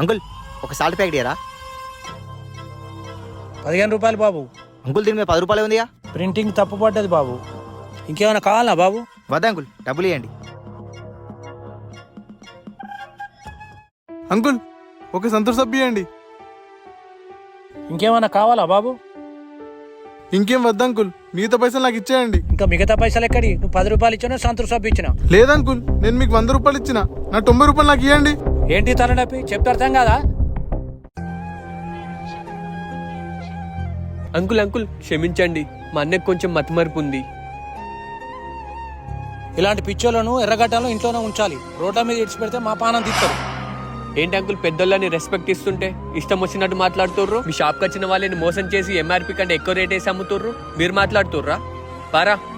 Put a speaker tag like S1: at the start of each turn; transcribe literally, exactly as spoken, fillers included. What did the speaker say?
S1: Uncle ఒక salt packet ఇయరా?
S2: పదిహేను రూపాయలు బాబు.
S1: అంకుల్ దీని మీద పది రూపాయలు ఉందిగా.
S2: ప్రింటింగ్ తప్పు పడ్డది బాబు. ఇంకేమైనా కావాలా బాబు?
S1: వద్దా అంకుల్, డబ్బులు ఇవ్వండి.
S3: అంకుల్ ఒక సంతూర్ సబ్బు ఇవ్వండి.
S2: ఇంకేమైనా కావాలా బాబు?
S3: ఇంకేం వద్దు అంకుల్, మిగతా పైసలు నాకు ఇచ్చేయండి.
S2: ఇంకా మిగతా పైసలు ఎక్కడి? నువ్వు పది రూపాయలు ఇచ్చినా సంతూర్ సబ్బు ఇచ్చినా.
S3: లేదంకుల్, నేను మీకు వంద రూపాయలు ఇచ్చిన, నా తొంభై రూపాయలు నాకు ఇవ్వండి.
S2: ఏంటి తలనొప్పి? చెప్తే అర్థం కాదా?
S4: అంకుల్ అంకుల్ క్షమించండి, మా అన్నకు కొంచెం మతిమరుపు ఉంది.
S2: ఇలాంటి పిచ్చోలను ఎర్రగడ్డలో ఇంట్లోనే ఉంచాలి. రోడ్ల మీద ఇడిచి పెడితే మా పానం తీస్తారు.
S4: ఏంటి అంకుల్, పెద్దోళ్ళని రెస్పెక్ట్ ఇస్తుంటే ఇష్టం వచ్చినట్టు మాట్లాడుతుర్రు? మీ షాప్కి వచ్చిన వాళ్ళని మోసం చేసి ఎంఆర్పి కంటే ఎక్కువ రేట్ వేసి అమ్ముతుర్రు, మీరు మాట్లాడుతుర్రా? పారా.